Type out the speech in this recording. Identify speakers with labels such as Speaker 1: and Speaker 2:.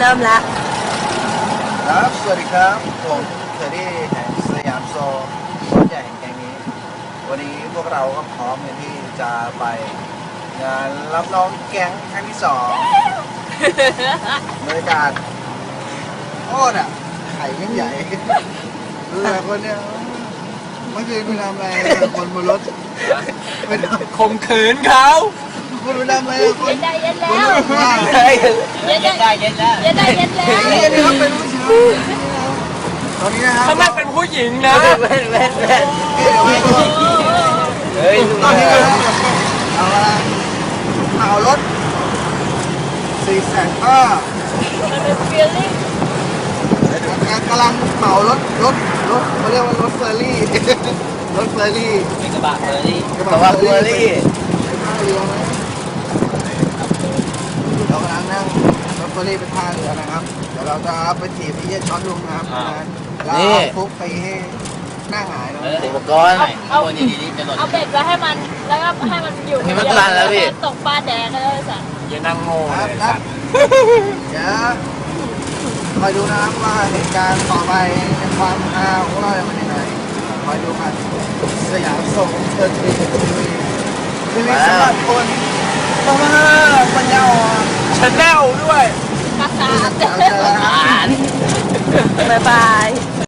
Speaker 1: ริ่มละ
Speaker 2: ครับสวัสดีครับผมเทอร์ดี้แห่งสยามโซรถใหญ่แห่งแห่งนี้วันนี้พวกเราก็พร้อมกันที่จะไปงานรับน้องแก๊งครั้งที่2บรรยากาศโอ้น่ะไข่ยิ่งใหญ่ดูแต่คนเนี้ยเมื่อคืนคุณทำอะไรคนบนรถเป็น
Speaker 3: ข่มขืนเขา
Speaker 2: คุณไปทำอะไรคน
Speaker 1: ใจเย็น
Speaker 2: คน
Speaker 1: แล้ว
Speaker 2: รถข้าง
Speaker 1: เย็นได้เย็นแล้วเย็นได้เย็นแล้ว
Speaker 2: นี่ครับเป็นผู้ชายตอนนี้นะครับ
Speaker 3: ถ้าไม่เป็นผู้หญิงนะ
Speaker 2: เฮ้ยตอนนี้นะครับเอาละเอารถ450,000
Speaker 1: มันเป็นฟีลลิ่ง
Speaker 2: กำลังเหมารถเขาเรียกว่ารถเฟอร์รี่ รถเฟอร์รี่
Speaker 3: เป็นกระบะเฟอร์รี่
Speaker 2: กระบะเฟอร์รี่ไปท่าเรือไหมเรากำลังนั่งรถเฟอร์รี่ไปท่าเรือนะครับเดี๋ยวเราจะไปถีบที่เย็นช็อตลุงนะครับแล้วเอาฟุกไปให้หน้าหงายนะ
Speaker 3: อุปกรณ์
Speaker 1: เอาเบ็ดไว้ให้มันแล้วก็ให้มันอยู่ตกปลาแดงก็ได้สัตว์
Speaker 3: อย่านั่งโง่
Speaker 2: ครับ
Speaker 3: เลย
Speaker 2: ครับเดี๋ยวคอยดูนะครับว่าเหตุการณ์ต่อไปในความฮาของเราจะเป็นยังไงคอยดูกันสยามส่งเชิญทีวีสำหรับคนต้องมาปัญญาอ่อน
Speaker 3: ชาแนลด้วย
Speaker 1: ภาษา
Speaker 2: เจอกัน
Speaker 1: บ๊ายบาย